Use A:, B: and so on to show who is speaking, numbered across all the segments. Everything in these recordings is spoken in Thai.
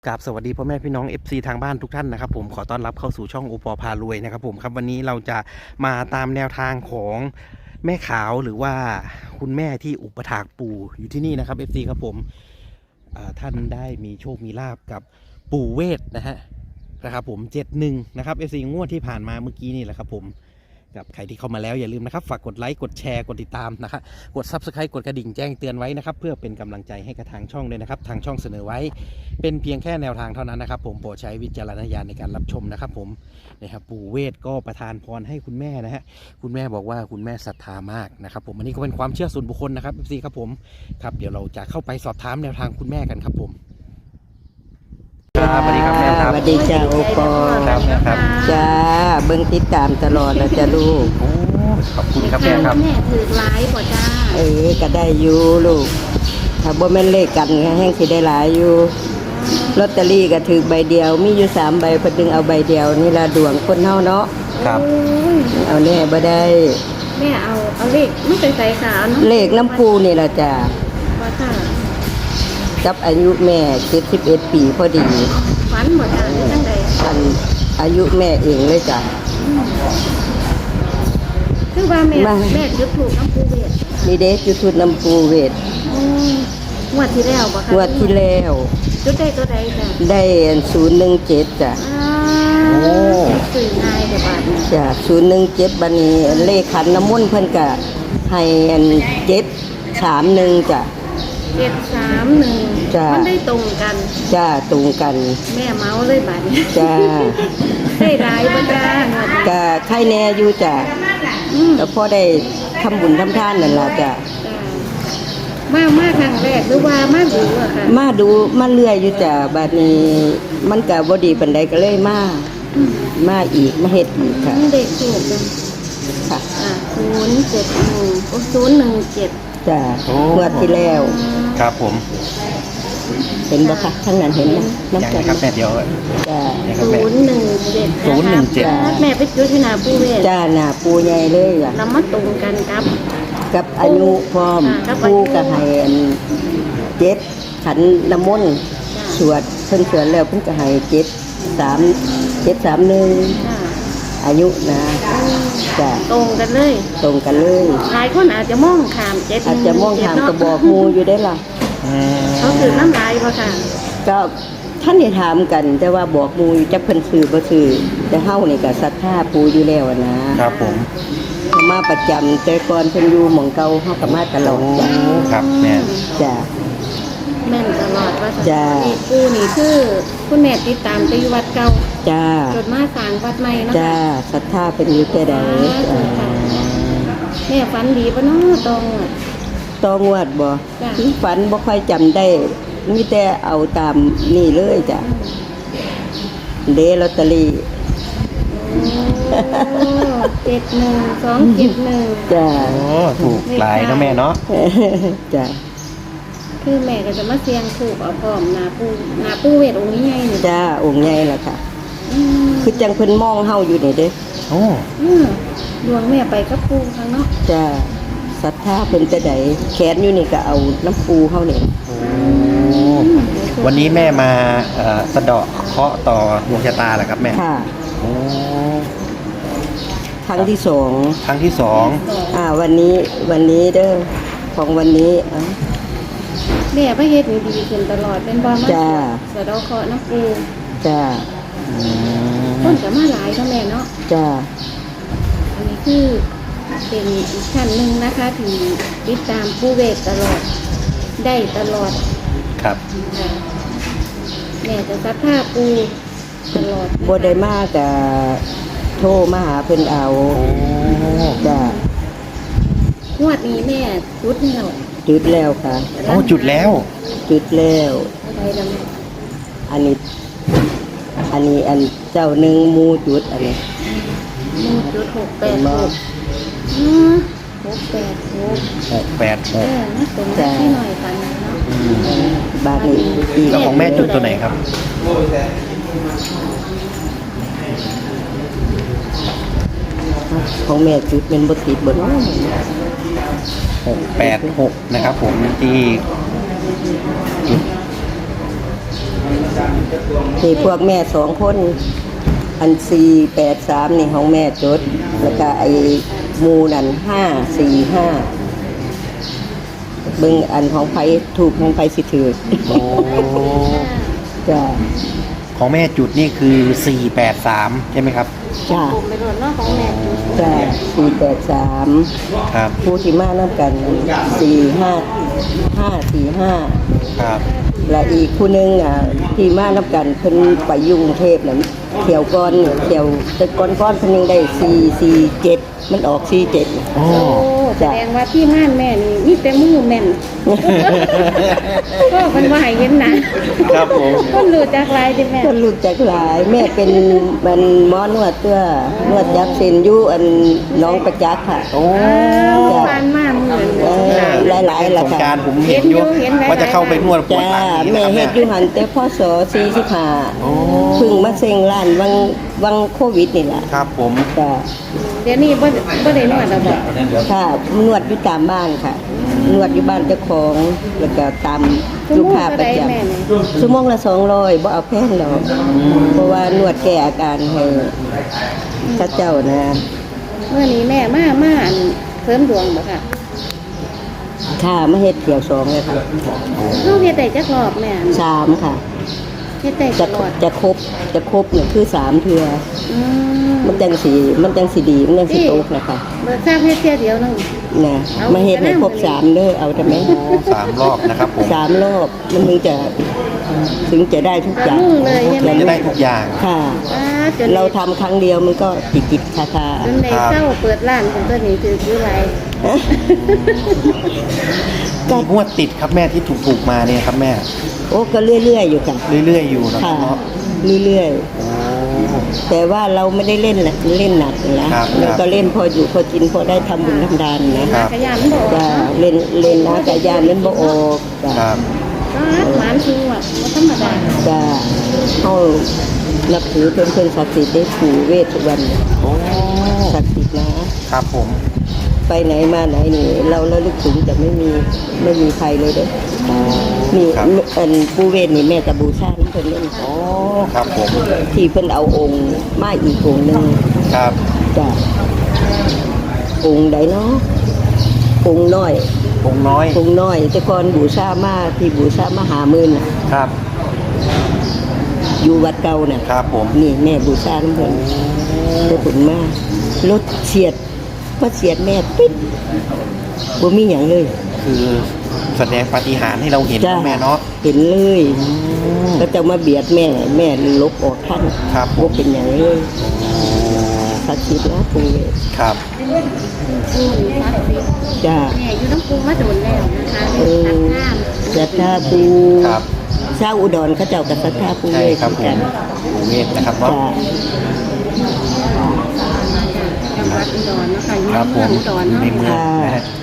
A: กราบสวัสดีพ่อแม่พี่น้อง FC ทางบ้านทุกท่านนะครับผมขอต้อนรับเข้าสู่ช่องโอปอพารวยนะครับผมครับวันนี้เราจะมาตามแนวทางของแม่ขาวหรือว่าคุณแม่ที่อุปถากปู่อยู่ที่นี่นะครับ FC ครับผมท่านได้มีโชคมีลาบกับปู่เวทนะครับผม71นะครับ FC งวดที่ผ่านมาเมื่อกี้นี่แหละครับผมกับใครที่เข้ามาแล้วอย่าลืมนะครับฝากกดไลค์กดแชร์กดติดตามนะครับกด Subscribe กดกระดิ่งแจ้งเตือนไว้นะครับเพื่อเป็นกำลังใจให้กับทางช่องด้วยนะครับทางช่องเสนอไว้เป็นเพียงแค่แนวทางเท่านั้นนะครับผมโปรดใช้วิจารณญาณในการรับชมนะครับผมนะครับปู่เวทก็ประทานพรให้คุณแม่นะฮะคุณแม่บอกว่าคุณแม่ศรัทธามากนะครับผมอันนี้ก็เป็นความเชื่อส่วนบุคคลนะครับ FC ครับผมครับเดี๋ยวเราจะเข้าไปสอบถามแนวทางคุณแม่กันครับผมสวัสดีครับแม่ครับ
B: สวัสดีจ้าโอปอ
A: ครับแม่ครับ
B: จ้าเบิ่งติดตามตลอดแล้วจ้าลูก
A: โอ้ขอบคุณครับแม่ครับ
C: แม่ถือร้ายกว่าจ้า
B: ก็ได้อยู่ลูกถ้าบ่แม่นเลขกันก็แห้งสิได้หลายอยู่ลอตเตอรี่ก็ถือใบเดียวมีอยู่3ใบเพิ่นดึงเอาใบเดียวนี่ล่ะดวงคนเฮาเนาะ
A: ครับ
C: โอ้ย
B: เอาแน่บ่ได้
C: แม่เอาเลขไม่เป็นสายขาวเนาะ
B: เลขน้ำปูนี่ล่ะจ้า
C: ว่าจ้า
B: กับอายุแม่71ปีพอดี
C: ฝันหมดจ้าหรือจังใด
B: อันอายุแม่เองเลยจ้ะ
C: คือว่าแม่
B: มา
C: แม่จุดถูกน้ำปูเวท
B: นี่เด้จุดทุดน้ำปูเวท
C: อืมงวดที่แล้วบ่คะ
B: งวดที่แล้ว
C: จุดได้ตัวใดจ้ะ
B: ได้อัน017จ้ะ
A: โอ้
C: สื่อง่ายแต่บาทเนี่ย
B: จ้ะ017บัดนี้เลขขันน้ำมนต์เพิ่นก็ให้อัน731จ้ะ
C: 731
B: จ้ะ
C: มันได้ตรงกัน
B: จ้าตรงกัน
C: แม่เมาเลยบาทนี้
B: จ้า
C: ได้ร้ายบ่จ้างวดนี้
B: ก็ใครแน่อยู่จ้ะ
C: อืม
B: แล้วพอได้ทำบุญทำทานนั่นล่ะจ้ะ
C: จ้ะมาครั้งแรกหรือว่ามาดูอะค่ะ
B: มาดูมาเรื่อยอยู่จ้ะบัดนี้มันก็บ่ดีปานใดก็เลยมาอีกมาเฮ็ดอีกค่ะ
C: เด็กถูกจัง
B: ค่ะ
C: 071
B: จ้ะ
A: โอ้
B: งวดที่แล้ว
A: ครับผม
B: เห็นบ่คะข้างนั้นเห็นบ่
A: ยัง
B: น้ำ
A: ไง
B: กัน
A: ครับแม่เดี๋ยว
B: จ้า
A: ยังครับแม่
C: 017 แม่ไปจุดที่นาผู้เวท
B: จ้าหน้าปูใหญ่เลยอ่ะ
C: แล้วมาตรงกันครับ
B: กับอายุพร้อม
C: กับอายุ
B: ผู้ก็ให้อันขันน้ำมนต์สวดเพิ่นสวดแล้วเพิ่นก็ให้731
C: จ้า
B: อายุนะจ้ะ
C: ตรงกันเลย
B: ตรงกันเลย
C: หลายคนอาจจะมองขาม7
B: อาจจะมองทางกระบอกหมูอยู่ได้ล่ะ
C: เขาถือน้ำลายบ่ค่ะ
B: ก็ท่านได้ถามกัน แต่ว่าบอกหมูอยู่จักเพิ่นซื้อบ่ซื้อแต่เฮานี่ก็ศรัทธาปู่อยู่แล้วอะนะครับ
A: ผม
B: เขามาประจำแต่ก่อนเพิ่นอยู่หม่องเก่าเฮาก็มาตลอดจ้ะ
A: ครับแม่
B: จ้ะ
C: แม่นตลอดว่า
B: จ้า
C: นี่ปูนี่คือคุณแม่ติดตามไปอยู่วัดเก่า
B: จ้า
C: จดมาสร้างวัดใหม่เนาะ
B: จ้าศรัทธาเพิ่นอยู่แต่ใด
C: แม่ฝันดีปะเนาะตองอะ
B: ต้องวดบ่
C: จ้ะ
B: ฝันบ่ค่อยจำได้มีแต่เอาตามนี่เลยจ้ะเดลอตเตอรี่
C: 71 271
B: จ้า
A: โอ้ถูกหลายนะแม่เนาะ
B: จ้า
C: คือแม่ก็จะมาเสียงถูกเอาพร้อมนาปูเวทองค์นี้ไงนี่
B: จ้าองค์ใหญ่ล่ะค่ะ
C: อืม
B: คือจังเพิ่นมองเฮาอยู่นี่เด้
A: โอ้
C: ดวงแม่ไปกับปูข้างเนาะ
B: จ้าศรัทธาเพิ่นแต่ใดแขนอยู่นี่ก็เอาน้ำปูเฮานี่
A: วันนี้แม่มาสะเดาะเคราะห์ต่อดวงชะตาเหรอครับแม่
B: ค่ะ
A: โอ้
B: ครั้งที่2
A: ครั้งที่สอง
B: วันนี้เด้อของวันนี้อ่ะ
C: แม่พระเฮ็ดนี่ดีขึ้นตลอดเป็นบ่มา
B: จ้า
C: สะเดาะเคราะห์น้ำปู
B: จ้า
C: ต้นจะมาหลายเนาะแม่เนาะ
B: จ้า
C: อันนี้คือเป็นอีกชั้นหนึ่งนะคะที่ติดตามปูเวทตลอดได้ตลอด
A: ครับ
C: ค่ะแม่จะซักผ้าปูตลอด
B: บ่ได้มาก็โทรมาหาเพิ่นเอา
A: โอ้
B: จ้าง
C: วดนี้แม่จุดแล้ว
B: จุดแล้วค่ะ
A: โอ้จุดแล้ว
B: จุดแล้ว
C: อะไรแล้วแม่
B: อันนี้อันเจ้าหนึ่งหมูจุดอันนี้
C: มูจุด686 686
A: 686
C: นะตรงนั้นที่หน่อยกันเนาะ
B: บาทนี้อีก
A: แล้วของแม่จุดตัวไหนครับ
B: ของแม่จุดเป็นบ่ติดบ่เนาะ
A: 686นะครับผมที่จุด
B: นี่พวกแม่2 คนอัน483นี่ของแม่จดแล้วก็ไอ้หมูนั่น545เบิ่งอันของไผถูกของไผสิถือ
A: โอ้
B: จ้า
A: ของแม่จุดนี่คือ483ใช่ไหมครับ
B: จ้า
C: ผมไปโดนเนาะของแม่จุด
B: จ้า483
A: ครับ
B: ผู้ที่มานํกัน545
A: ครับ
B: และอีกผู้หนึงที่มานํกันเพิ่นไปอยู่กรุงเทพน่ะเที่ยวก่อนเที่ยวแต่ก่อนเพิ่นยังได้447มันออก47
A: โอ้
C: โอ้แสดงว่าที่ม่านแม่นี่มีแต่มือแม่นก็มันว่าให้เห็นนะครับ
A: ผม
C: คนรู้จักหลายที่แม่
B: ก็รู้จักหลายแม่เป็นมันหมอนวดตัวนวดยักษ์เซนอยู่อันน้องประจักษ์ค่ะ
A: โอ้
C: ผ่านมาเหมือน
B: หลายๆล่ะ
A: สง
B: ค่ะ
A: กรารผมเห็นอยู่ว่าจะเข้าไปนวดปวด
B: จ้า
A: หลังนี่
B: แม่
A: นะครับ
B: เฮ็
A: แม่
B: ดอยู่หันแต่พศ
A: โอ้
B: 45เพิ่งมาเซ็งร้านวังโควิดนี่ล่ะ
A: ครับผม
B: จ้า
C: เดี๋ยวนี้บ่ได้นวดแล้วบ่
B: ค่ะนวดอยู่ตามบ้านค่ะ นวดอยู่บ้านเจ้าของแล้วก็ตามลูกค้าประจำชั่วโมงละ200บ่เอาแพงหรอกเพราะว่านวดแก้อาการให้พระเจ้านะ
C: เมื่อนี้แม่มาอันเสริมดวงบ่ค่ะ
B: ค่ะมาเฮ็ดเที่ยว2เลยค่ะ
C: เฮาเฮ็ดได้จักรอบแม่
B: 3ค่ะ
C: เฮ็ดได้
B: จะ
C: ตลอด
B: จะครบเนี่ยคือ3เทื่อ
C: อืม
B: มันจังสีดีมันจังสีตกนะคะ
C: เบิกทราบเฮ็ดเที่ยเดียวนึง
B: นะมาเฮ็ดให้ครบ3เด้อเอาได้ไหม
A: โอ้3 รอบนะครับผม
B: 3 รอบมันถึงจะได้ทุกอย่าง
C: มือเลยใช่ไหม
A: จะได้ทุกอย่าง
B: ค่ะ
C: จน
B: เราทำครั้งเดียวมันก็ติดคา
C: จนในเศร้าเปิดร้านของตัวนี้คือไร
A: กี่งวดติดครับแม่ที่ถูกมาเนี่ยครับแม่
B: โอ้ก็เรื่อยๆอยู่ค่ะ
A: เรื่อยๆอยู่นะครั
B: ค่ะ
A: บเนาะ
B: เรื่อย
A: โอ้
B: ๆแต่ว่าเราไม่ได้เล่นหนักนะครับ เราก็เล่นพออยู่พอกินพอได้ทำบุญทำทานนะ
A: ครับ
C: ขยันบอก
B: จ้าเล่นนะกะยานเล่นบ่ออกจ้า
A: ครับ
C: ก็หวานคือว่าธรรมดา
B: จ้าเฮานับถือเพิ่นศักดิ์สิทธิ์ได้ปู่เวททุกวัน
A: โอ้
B: ศักดิ์สิทธิ์นะครับ
A: ผม
B: ไปไหนมาไหนนี่เราระลึกถึงแต่ไม่มีใครเลยเด้อ
A: โอ้
B: นี่
A: ครับ
B: อันปู่เวทนี่แม่ก็บูชาเพิ่นเล่น
A: โอ้ครับผม
B: ที่เพิ่นเอาองค์มาอีกองค์หนึง
A: ครับ
B: จ้าองค์ใดเนาะองค์น้อย
A: องค์น้อย
B: องค์น้อยแต่ก่อนบูชามาที่บูชามาหามื่นน่ะ
A: ครับ
B: อยู่วัดเก่าน่ะ
A: ครับผม
B: นี่แม่บูชาน้ำเพิ่นได้ผลมากรถเฉียดมาเฉียดแม่ปิ๊ดบ่มีหยังเลย
A: คือแสดงปาฏิหาริย์ให้เราเห็น
B: จ้า
A: นะแม่เนาะ
B: เห็นเลย
A: อืม
B: ก็จะมาเบียดแม่ลบออกท่าน
A: ครับผม
B: บ่เป็นหยังเลยศักดิ์สิทธิ์นะปู่เวท
A: ครับ
C: ปูนี่พักสิ
B: จ้า
C: แม่อยู่น้ำปูมาโดนแล้วนะคะ
B: เอ
C: เป็น
B: อ
C: ทางข้าม
B: ศรัทธาปู่
A: ครับ
B: ชาวอุดรเขาเจ้าก็ศรัทธาปู่
A: ใช่
B: เวท
A: ครับผ
B: กั
A: ม
B: น
A: ปู่เวทนะครับเนาะ
B: จ้า
C: จังหวัดอุดรเนาะคะอยู่
A: ครับผ
C: เมือ
A: ม
C: งอุดร
A: อยู่
C: เนาะ
A: ในเมืองนะฮะ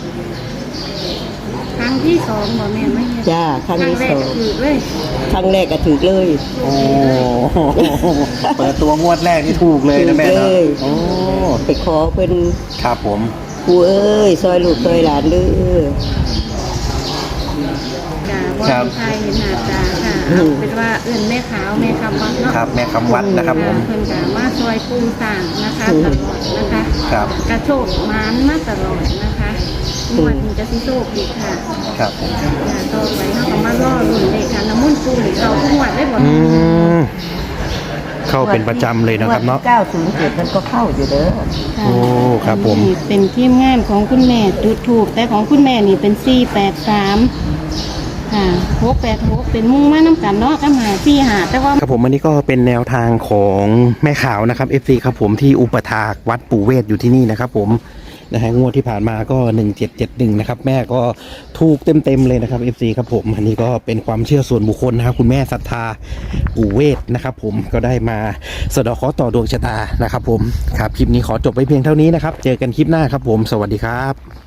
C: ครั้งที่2บ่แม่ไม่เห็น
B: จ้าครั้งที่
C: แร
B: ส
C: ก
B: อง
C: คือเลย
B: ครั้งแรกก็ถูกเลย
A: โอ้เปิดตัวงวดแรกนี่ถูกเลยนะแม่
B: ถูก
A: เนาะ
B: เลย
A: โอ้
B: ไปขอเพิ่น
A: ครับผม
B: ปู่เอ้ยซอยลูกซอยหลานเด้อ
C: จ้าบ่มีใครเห็นหน้าตาค่ะเอาเป็นว่าเอื้นแม่ขาวแม่คำวัดเนาะ
A: ครับแม่คำวัดนะครับผม
C: เพิ่นก็มาซอยปูต่างนะคะตลอดนะคะ
A: ครับ
C: กระโชกหมานมาตลอดนะคะงวดนี้จะสิโชคดีค่ะ
A: ครับผม
C: อย่าต่อไปเฮาก็มาล่อรุ่นเลขค่ะน้ำมันต์ปูนี่เขาทุกงวดได้บ่
A: อืมเข้าเป็นประจำเลยนะครับเนาะ
B: 907มันก็เข้าอยู่เด้อ
C: ค่ะ
A: โอ้ครับผม
C: นี่เป็นทีมงานของคุณแม่จุดถูกแต่ของคุณแม่นี่เป็น483ค่ะ686เป็นมุ่งมาน้ำกันเนาะกับ545แต่ว่า
A: ครับผมอันนี้ก็เป็นแนวทางของแม่ขาวนะครับ FC ครับผมที่อุปถากวัดปู่เวทอยู่ที่นี่นะครับผมนะฮะงวดที่ผ่านมาก็1771นะครับแม่ก็ถูกเต็มๆเลยนะครับ FC ครับผมอันนี้ก็เป็นความเชื่อส่วนบุคคลนะครับคุณแม่ศรัทธาปู่เวทนะครับผมก็ได้มาสะเดาะเคราะห์ต่อดวงชะตานะครับผมครับคลิปนี้ขอจบไว้เพียงเท่านี้นะครับเจอกันคลิปหน้าครับผมสวัสดีครับ